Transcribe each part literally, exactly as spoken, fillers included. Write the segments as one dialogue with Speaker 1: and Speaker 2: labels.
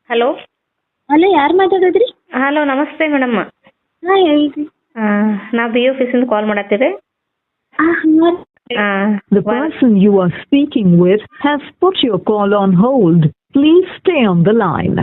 Speaker 1: Hello
Speaker 2: hello, ಯಾರು ಮಾತಾಡೋದ್ರಿ?
Speaker 1: Hello ನಮಸ್ತೆ madam.
Speaker 2: ಹಾಂ ಹೇಳ್ರಿ.
Speaker 1: ನಾವು ಬಿ ಆಫೀಸಿಂದ ಕಾಲ್ ಮಾಡತ್ತೀರಿ.
Speaker 3: The person you are speaking with has put your call on hold. Please stay on the line.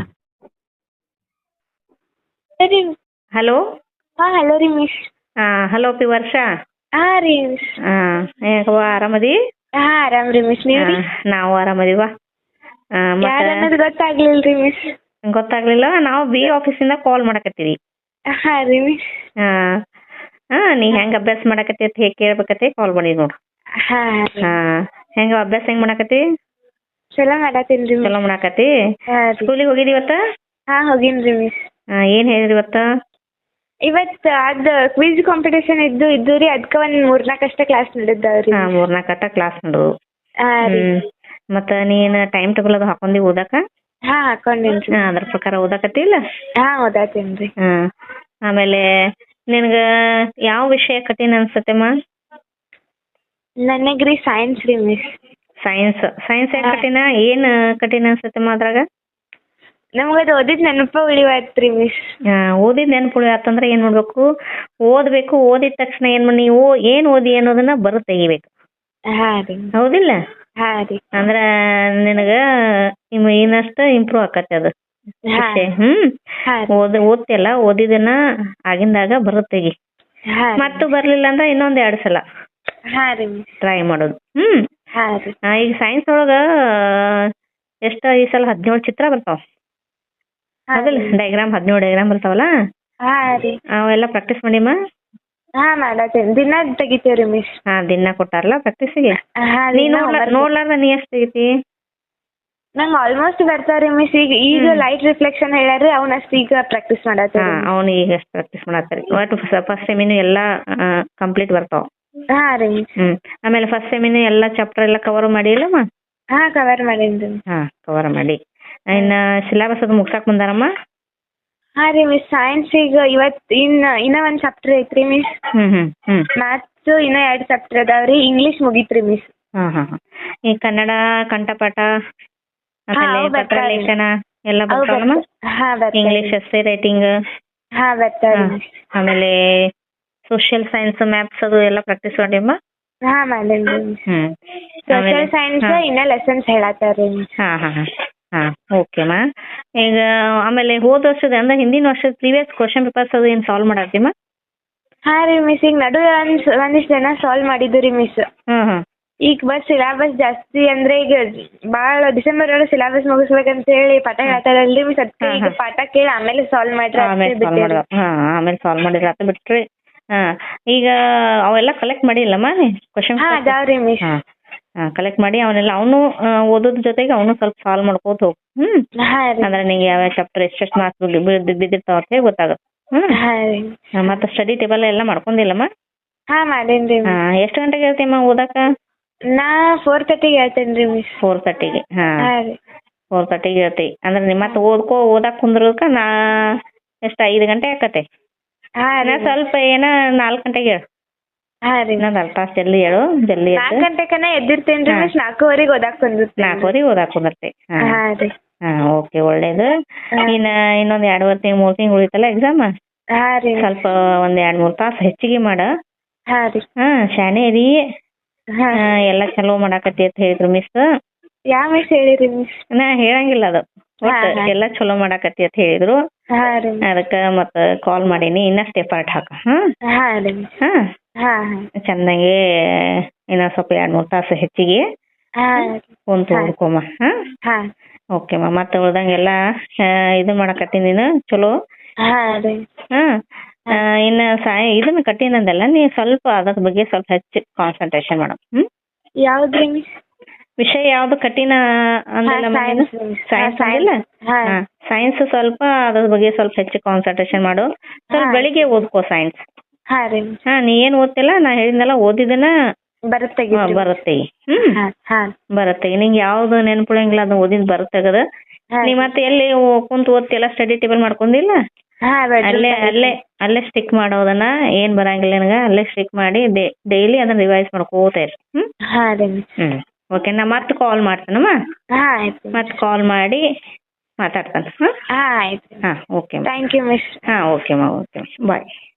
Speaker 2: ಸರಿ.
Speaker 1: ಹಲೋ
Speaker 2: ಹಾಂ ಹಲೋ ರೀ ಮಿಸ್.
Speaker 1: ಹಲೋ ಪಿ ವರ್ಷ.
Speaker 2: ಹಾಂ ರೀ ಮಿಸ್.
Speaker 1: ಹೇಗವ್ವ ಆರಾಮದಿ?
Speaker 2: ಹಾಂ ಆರಾಮ್ ರೀ ಮಿಸ್. ನೀವು ರೀ?
Speaker 1: ನಾವು ಆರಾಮದಿವ.
Speaker 2: ಯಾರು ಅನ್ನೋದು ಗೊತ್ತಾಗ್ಲಿಲ್ಲ ರೀ ಮಿಸ್.
Speaker 1: ಗೊತ್ತಾಗ್ಲಿಲ್ಲ. ನಾವು ಬಿ ಆಫೀಸಿಂದ ಕಾಲ್ ಮಾಡಕತ್ತೀವಿ.
Speaker 2: ಹಾಂ ರೀ ಮಿಸ್.
Speaker 1: ಹಾಂ ಹಾಂ ನೀ ಹೆಂಗೆ ಅಭ್ಯಾಸ ಮಾಡಕತ್ತಿ ಅಂತ ಹೇಗೆ ಕೇಳ್ಬೇಕತ್ತೆ ಕಾಲ್ ಮಾಡಿ ನೋಡು.
Speaker 2: ಹಾಂ
Speaker 1: ಹಾಂ ಹೆಂಗ ಅಭ್ಯಾಸ ಹೆಂಗ್ ಮಾಡಕತ್ತಿ?
Speaker 2: ಚಲೋ ಮಾಡತ್ತೀನಿ ರೀ
Speaker 1: ಚಲೋ
Speaker 2: ಮಿಸ್.
Speaker 1: ಮಾಡಕತ್ತಿ.
Speaker 2: ಹಾಂ ರೀ.
Speaker 1: ಸ್ಕೂಲಿಗೆ ಹೋಗಿದಿ ಇವತ್ತ?
Speaker 2: ಹಾಂ ಹೋಗಿನಿ ರೀ ಮಿಸ್.
Speaker 1: ಏನು ಹೇಳಿದ್ರಿ ಇವತ್ತ?
Speaker 2: ಇವತ್ತು ಅದು ಕ್ವಿಜ್ ಕಾಂಪಿಟೇಷನ್ ಇದ್ದು ಇದ್ದು ರೀ, ಅದಕ್ಕೆ ಒಂದು ಮೂರ್ನಾಲ್ಕು ಅಷ್ಟೇ ಕ್ಲಾಸ್ ನಡೆದಾವ್ರಿ.
Speaker 1: ಹಾಂ ಮೂರ್ನಾಲ್ಕು ಅಟ್ಟ ಕ್ಲಾಸ್ ನೋಡು.
Speaker 2: ಹಾಂ ರೀ.
Speaker 1: ಹ್ಮ್ ಮತ್ತೆ ನೀನು ಟೈಮ್ ಟೇಬಲ್ ಅದು ಹಾಕೊಂಡಿ ಓದಕ?
Speaker 2: ಹಾಂ ಹಾಕೊಂಡೇನಿ ರೀ.
Speaker 1: ಹಾಂ ಅದ್ರ ಪ್ರಕಾರ ಓದಕತ್ತಿಲ್ಲ?
Speaker 2: ಹಾಂ ಓದಾತೀನಿ ರೀ.
Speaker 1: ಹಾಂ ಆಮೇಲೆ ನಿನಗೆ ಯಾವ ವಿಷಯ ಕಠಿಣ ಅನ್ಸತ್ತೆಮ್ಮ?
Speaker 2: ನನಗೆ ರೀ ಸೈನ್ಸ್ ರೀ ಮಿಸ್.
Speaker 1: ಸೈನ್ಸ್. ಸೈನ್ಸ್ ಯಾಕೆ ಕಠಿಣ? ಏನು ಕಠಿಣ ಅನ್ಸತ್ತೆಮ್ಮ ಅದ್ರಾಗ?
Speaker 2: ನಮ್ಗೆ ಅದು ಓದಿದ್ ನೆನಪ ಉಳಿವಾಯ್ತು ರೀ ಮಿಸ್.
Speaker 1: ಓದಿದ ನೆನಪುಳಿ ಆತಂದ್ರೆ ಏನು ಮಾಡಬೇಕು? ಓದಬೇಕು. ಓದಿದ ತಕ್ಷಣ ಏನು ಮಾಡಿ ನೀವು ಏನು ಓದಿ ಅನ್ನೋದನ್ನ ಬರು ತೆಗಿಬೇಕು.
Speaker 2: ಹಾಂ ರೀ.
Speaker 1: ಹೌದಿಲ್ಲ?
Speaker 2: ಹಾಂ ರೀ.
Speaker 1: ಅಂದ್ರೆ ನಿನಗೆ ಇನ್ನಷ್ಟು ಇಂಪ್ರೂವ್ ಆಕತ್ತೆ ಅದು
Speaker 2: ಹಾಂ.
Speaker 1: ವಿಷಯ. ಹ್ಮ್
Speaker 2: ಹಾಂ ರೀ.
Speaker 1: ಓದ್ ಓದ್ತಿಯಲ್ಲ ಓದಿದನ್ನ ಆಗಿಂದಾಗ ಬರುತ್ತೆಗಿ.
Speaker 2: ಹಾಂ
Speaker 1: ಮತ್ತು ಬರ್ಲಿಲ್ಲ ಅಂದ್ರೆ ಇನ್ನೊಂದ್ ಎರಡು ಸಲ
Speaker 2: ಹಾಂ ರೀ ಮಿಸ್.
Speaker 1: ಟ್ರೈ ಮಾಡೋದು. ಹ್ಮ್
Speaker 2: ಹಾಂ ರೀ.
Speaker 1: ಆ, ಈಗ ಸೈನ್ಸ್ ಒಳಗ ಎಷ್ಟ ಈ ಸಲ ಹದಿನೇಳು ಚಿತ್ರ ಬರ್ತಾವ. ಹೌದಿಲ್ಲ? ಡೈಗ್ರಾಮ್ ಹದಿನೇಳು ಡೈಗ್ರಾಮ್ ಬರ್ತಾವಲ್ಲ,
Speaker 2: ಹಾಂ ರೀ.
Speaker 1: ಅವೆಲ್ಲ ಪ್ರಾಕ್ಟೀಸ್ ಮಾಡಿಮ್ಮ.
Speaker 2: ಹಾಂ ಮಾಡತ್ತೇನೆ. ದಿನ ತೆಗಿತೇವೆ ರೀ ಮಿಸ್.
Speaker 1: ಹಾ ದಿನ ಕೊಟ್ಟಾರಲ್ಲ ಪ್ರಾಕ್ಟೀಸಿಗೆ.
Speaker 2: ಹಾಂ
Speaker 1: ನೀ
Speaker 2: ರೀ.
Speaker 1: ನೋಡ್ಲಾರ್ದ ನೀ ಎಷ್ಟು ತೆಗಿತಿ?
Speaker 2: ನಂಗೆ ಆಲ್ಮೋಸ್ಟ್ ಬರ್ತಾವ್ರಿ ಮಿಸ್. ಈಗ ಈಗ ಲೈಟ್ ರಿಫ್ಲೆಕ್ಷನ್ ಹೇಳ್ಯಾರಿ, ಅವ್ನ ಅಷ್ಟು ಈಗ ಪ್ರಾಕ್ಟೀಸ್
Speaker 1: ಹಾ
Speaker 2: ಮಾಡತ್ತೇವೆ.
Speaker 1: ಅವ್ನು ಈಗ ಎಷ್ಟು ಪ್ರಾಕ್ಟೀಸ್ ಮಾಡತ್ತಾರೆ. ಒಟ್ಟು ಫಸ್ಟ್ ಸೆಮಿನು ಎಲ್ಲ ಕಂಪ್ಲೀಟ್ ಬರ್ತಾವ.
Speaker 2: ಹಾಂ ರೀ ಮಿಸ್.
Speaker 1: ಹ್ಮ್ ಆಮೇಲೆ ಫಸ್ಟ್ ಸೆಮಿನು ಎಲ್ಲ ಚಾಪ್ಟರ್ ಎಲ್ಲ ಕವರ್ ಮಾಡಿಲ್ಲಮ್ಮ?
Speaker 2: ಹಾಂ ಕವರ್ ಮಾಡೀನಿ ರೀ.
Speaker 1: ಹಾ ಕವರ್ ಮಾಡಿ. ಇನ್ನ ಸಿಲೆಬಸ್ ಅದು ಮುಗ್ಸಾಕ್ ಬಂದಾರಮ್ಮ?
Speaker 2: ಹಾಂ ರೀ ಮಿಸ್. ಸೈನ್ಸ್ ಈಗ ಇವತ್ತು ಇನ್ನು ಇನ್ನೂ ಒಂದು ಚಾಪ್ಟರ್ ಐತ್ರಿ ಮಿಸ್.
Speaker 1: ಹ್ಮ್ ಹ್ಮ್ ಹ್ಮ್
Speaker 2: ಮ್ಯಾಥ್ಸ್ ಇನ್ನೂ ಎರಡು ಚಾಪ್ಟರ್ ಅದಾವ್ರಿ. ಇಂಗ್ಲೀಷ್ ಮುಗೀತ್ರಿ ಮಿಸ್.
Speaker 1: ಹಾ ಹಾ ಹಾ ಈ ಕನ್ನಡ ಕಂಠಪಾಠ ಆಮೇಲೆ
Speaker 2: ಅವು ಬರ್ತಾವೆ.
Speaker 1: ಪತ್ರಲೇಖನ ಎಲ್ಲ
Speaker 2: ಅವು
Speaker 1: ಬರ್ತಾವಲ್ಲಮ್ಮ?
Speaker 2: ಬರ್ತಾವೆ. ಹಾಂ ಬರ್ತಾವೆ.
Speaker 1: ಇಂಗ್ಲಿಷ್ ಎಸ್ಸೆ ರೈಟಿಂಗ್,
Speaker 2: ಹಾಂ ಬರ್ತಾವ್ರಿ ಮಿಸ್.
Speaker 1: ಆಮೇಲೆ ಸೋಷಿಯಲ್ ಸೈನ್ಸ್ ಮ್ಯಾಥ್ಸ್ ಅದು ಎಲ್ಲ ಪ್ರಾಕ್ಟೀಸ್ ಮಾಡಿಮ್ಮ?
Speaker 2: ಹಾಂ ಮಾಡೀನಿ ರೀ ಮಿಸ್.
Speaker 1: ಹ್ಮ್
Speaker 2: ಸೋಷಿಯಲ್ ಸೈನ್ಸ್ ಇನ್ನೂ ಲೆಸನ್ಸ್ ಹೇಳತ್ತಾರ್ರಿ ಮಿಸ್.
Speaker 1: ಹಾ ಹಾ ಹಾ ಹಾ ಓಕೆಮ್ಮ. ಈಗ ಆಮೇಲೆ ಹೋದ ವರ್ಷದ ಅಂದ್ರೆ ಹಿಂದಿನ ವರ್ಷದ ಪ್ರೀವಿಯಸ್ ಕ್ವಶನ್ ಪೇಪರ್ಸ್ ಅದು ಏನು ಸಾಲ್ವ್ ಮಾಡತ್ತೀಮ್ಮ?
Speaker 2: ಹಾಂ ರೀ ಮಿಸ್. ಈಗ ನಡು ಒಂದು ಒಂದಿಷ್ಟು ಜನ ಸಾಲ್ವ್ ಮಾಡಿದ್ದು ರೀ ಮಿಸ್.
Speaker 1: ಹ್ಮ್ ಹ್ಮ್
Speaker 2: ಈಗ ಬಸ್ ಸಿಲೆಬಸ್ ಜಾಸ್ತಿ ಅಂದ್ರೆ ಈಗ ಭಾಳ ಡಿಸೆಂಬರ್ ಒಳಗೆ ಸಿಲೆಬಸ್ ಮುಗಿಸ್ಬೇಕಂತ ಹೇಳಿ ಪಾಠ ಹೇಳ್ತಾರಲ್ರಿ ಮಿಸ್. ಅದಕ್ಕೆ ಈಗ ಪಾಠ ಕೇಳಿ ಆಮೇಲೆ ಸಾಲ್ವ್ ಮಾಡ್ರಿ
Speaker 1: ಆಮೇಲೆ ಸಾಲ್ವ್ ಮಾಡಿದ್ರ ಹಾ ಆಮೇಲೆ ಸಾಲ್ವ್ ಮಾಡಿದ್ರ ಆತ ಬಿಟ್ರಿ. ಹಾ ಈಗ ಅವೆಲ್ಲ ಕಲೆಕ್ಟ್ ಮಾಡಿಲ್ಲಮ್ಮ ಕ್ವಶನ್?
Speaker 2: ಹಾಂ ಅದಾವ್ರಿ ಮಿಸ್.
Speaker 1: ಹಾ ಹಾ ಕಲೆಕ್ಟ್ ಮಾಡಿ ಅವನ್ನೆಲ್ಲ ಅವನು ಓದೋದ್ರ ಜೊತೆಗೆ ಅವನು ಸ್ವಲ್ಪ ಸಾಲ್ವ್ ಮಾಡ್ಕೋತ ಹೋಗು. ಹ್ಮ್
Speaker 2: ಹಾಂ ರೀ.
Speaker 1: ಅಂದ್ರೆ ನಿಂಗೆ ಯಾವ ಚಾಪ್ಟರ್ ಎಷ್ಟೆಷ್ಟು ಮಾರ್ಕ್ಸ್ ಬಿದ್ದಿರ್ತಾವ ಅಂತ ಹೇಳಿ ಗೊತ್ತಾಗುತ್ತೆ. ಹ್ಮ್
Speaker 2: ಹಾಂ ರೀ.
Speaker 1: ಮತ್ತೆ ಸ್ಟಡಿ ಟೇಬಲ್ ಎಲ್ಲ ಮಾಡ್ಕೊಂಡಿಲ್ಲಮ್ಮ?
Speaker 2: ಹಾಂ ಮಾಡೀನಿ ರೀ
Speaker 1: ಹಾ
Speaker 2: ಮಿಸ್.
Speaker 1: ಎಷ್ಟು ಗಂಟೆಗೆ ಇರ್ತೀಯಮ್ಮ ಓದಕ್ಕ?
Speaker 2: ನಾ ಫೋರ್ ತರ್ಟಿಗೆ ಹೇಳ್ತೇನೆ ರೀ ಮಿಸ್.
Speaker 1: ಫೋರ್ ತರ್ಟಿಗೆ. ಹಾ
Speaker 2: ಹಾಂ ರೀ.
Speaker 1: ಫೋರ್ ತರ್ಟಿಗೆ ಇರ್ತಿ ಅಂದ್ರೆ ನಿಮ್ಮ ಮತ್ತೆ ಓದ್ಕೋ ಓದಕ್ ಕುಂದ್ರಕ ನಾ ಎಷ್ಟು ಐದು ಗಂಟೆ ಆಕತೆ.
Speaker 2: ಹಾಂ
Speaker 1: ನಾ
Speaker 2: ರೀ.
Speaker 1: ಸ್ವಲ್ಪ ಏನ ನಾಲ್ಕು ಗಂಟೆಗೆ ಹೇಳು.
Speaker 2: ಹಾಂ ರೀ.
Speaker 1: ಇನ್ನೊಂದು ಅರ್ಧ ತಾಸು ಜಲ್ದಿ ಹೇಳು. ಜಲ್ದಿ
Speaker 2: ನಾಲ್ಕು
Speaker 1: ಎದ್ದು
Speaker 2: ಗಂಟೆಕನ ಎದ್ದಿರ್ತೇನೆ ರೀ ಮಿಸ್. ನಾಲ್ಕೂವರೆಗೆ ಓದಾಕ್ ಬಂದಿರ್ತೇನೆ.
Speaker 1: ನಾಲ್ಕುವರೆಗೆ ಓದಾಕ್ ಕುಂದಿರ್ತಿ. ಹಾ
Speaker 2: ಹಾಂ ರೀ.
Speaker 1: ಹಾ ಓಕೆ ಒಳ್ಳೇದು. ಇನ್ನ ಇನ್ನೊಂದ್ ಎರಡುವರೆ ತಿಂಗ್ ಮೂರ್ ತಿಂಗಳು ಉಳಿತಲ್ಲ ಎಕ್ಸಾಮ್.
Speaker 2: ಹಾಂ ರೀ.
Speaker 1: ಸ್ವಲ್ಪ ಒಂದ್ ಎರಡ್ ಮೂರ್ ತಾಸು ಹೆಚ್ಚಿಗೆ ಮಾಡ.
Speaker 2: ಹಾಂ ರೀ.
Speaker 1: ಹಾ ಶಾಣೆ ರೀ.
Speaker 2: ಹಾಂ.
Speaker 1: ಎಲ್ಲ ಚಲೋ ಮಾಡಾಕತ್ತಿ ಅಂತ ಹೇಳಿದ್ರು ಮಿಸ್.
Speaker 2: ಯಾವ ಮಿಸ್ ಹೇಳಿರಿ ಮಿಸ್?
Speaker 1: ನಾ ಹೇಳಂಗಿಲ್ಲ ಅದು. ಒಟ್ಟು
Speaker 2: ಹಾ, ಹಾ.
Speaker 1: ಎಲ್ಲ ಚಲೋ ಮಾಡಾಕತ್ತಿ ಅಂತ ಹೇಳಿದ್ರು.
Speaker 2: ಹಾಂ ರೀ.
Speaker 1: ಅದಕ್ಕೆ ಮತ್ತೆ ಕಾಲ್ ಮಾಡೀನಿ. ಇನ್ನಷ್ಟು ಎಫರ್ಟ್ ಹಾಕ. ಹಾ
Speaker 2: ಹಾಂ ರೀ ಮಿಸ್.
Speaker 1: ಹಾ
Speaker 2: ಹಾಂ ಹಾಂ.
Speaker 1: ಚೆನ್ನಾಗಿ ಇನ್ನೊಂದ್ ಸ್ವಲ್ಪ ಎರಡ್ ಮೂರ್ ತಾಸು ಹೆಚ್ಚಿಗೆ
Speaker 2: ಹಾಂ.
Speaker 1: ಕುಂತು ಓದ್ಕೊಮ್ಮ. ಹಾ
Speaker 2: ಹಾಂ.
Speaker 1: ಓಕೆಮ್ಮ. ಮತ್ತೆ ಉಳ್ದಂಗೆಲ್ಲ ಇದು ಮಾಡಾಕತ್ತೀನಿ ನೀನು ಚಲೋ.
Speaker 2: ಹಾಂ ರೀ.
Speaker 1: ಹಾ ಇನ್ನು ಸಾಯ ಇದನ್ನ ಕಠಿಣದಲ್ಲ ನೀ ಸ್ವಲ್ಪ ಅದ್ರ ಬಗ್ಗೆ ಸ್ವಲ್ಪ ಹೆಚ್ಚು ಕಾನ್ಸಂಟ್ರೇಷನ್ ಮಾಡು. ಹ್ಮ್
Speaker 2: ಯಾವ್ದ್ರಿ ಮಿಸ್?
Speaker 1: ವಿಷಯ ಯಾವ್ದು ಕಠಿಣ ಅಂದಲ್ಲ?
Speaker 2: science, miss.
Speaker 1: ಸೈನ್ಸ್
Speaker 2: ಹಾ,
Speaker 1: ಅಂದಿಲ್ಲ?
Speaker 2: ಹಾ.
Speaker 1: ಹಾ ಸೈನ್ಸ್ ಸ್ವಲ್ಪ ಅದ್ರ ಬಗ್ಗೆ ಸ್ವಲ್ಪ ಹೆಚ್ಚು ಕಾನ್ಸಂಟ್ರೇಷನ್ ಮಾಡು. ಸ್ವಲ್ಪ
Speaker 2: ಹಾ.
Speaker 1: ಬೆಳಿಗ್ಗೆ ಓದ್ಕೋ ಸೈನ್ಸ್.
Speaker 2: ಹಾಂ ರೀ.
Speaker 1: ಹಾ ನೀ ಏನ್ ಓದ್ತಿಲ್ಲ ನಾ ಹೇಳಿದ್ನಲ್ಲ ಓದಿದನ
Speaker 2: ಬರುತ್ತೆ.
Speaker 1: ಹಾ, ಬರುತ್ತೆ. ಹ್ಮ್
Speaker 2: ಹಾಂ ಹಾಂ.
Speaker 1: ಬರುತ್ತೆ. ನಿಂಗೆ ಯಾವ್ದು ನೆನ್ಪುಳಂಗಿಲ್ಲ ಅದನ್ನ ಓದಿದ್ ಬರುತ್ತೆ ಅದ.
Speaker 2: ಹಾಂ.
Speaker 1: ನೀ ಮತ್ತೆ ಎಲ್ಲಿ ಕುಂತು ಓದ್ತಿಲ್ಲ ಸ್ಟಡಿ ಟೇಬಲ್ ಮಾಡ್ಕೊಂಡಿಲ್ಲ?
Speaker 2: ಹಾಂ
Speaker 1: ಅಲ್ಲೇ ಅಲ್ಲೇ ಅಲ್ಲೇ ಸ್ಟಿಕ್ ಮಾಡೋದನ್ನ ಏನ್ ಬರಂಗಿಲ್ಲ ನನಗ ಅಲ್ಲೇ ಸ್ಟಿಕ್ ಮಾಡಿ ಡೈಲಿ ಅದನ್ನ ರಿವೈಸ್ ಮಾಡ್ಕೋತಾ ಇರಿ. ಹ್ಮ್
Speaker 2: ಹಾಂ ರೀ ಮಿಸ್.
Speaker 1: ಹ್ಮ್ ಓಕೆ. ನಾ ಮತ್ತೆ ಕಾಲ್ ಮಾಡ್ತೇನಮ್ಮ.
Speaker 2: ಹಾಂ ಆಯ್ತು.
Speaker 1: ಮತ್ತೆ ಕಾಲ್ ಮಾಡಿ ಮಾತಾಡ್ತಾನೆ ಹಾಂ
Speaker 2: ಹಾಂ ಆಯ್ತು
Speaker 1: ಹಾಂ ಓಕೆ
Speaker 2: ಥ್ಯಾಂಕ್ ಯು ಮಿಸ್
Speaker 1: ಹಾಂ ಓಕೆ ಮಾ ಓಕೆ ಬಾಯ್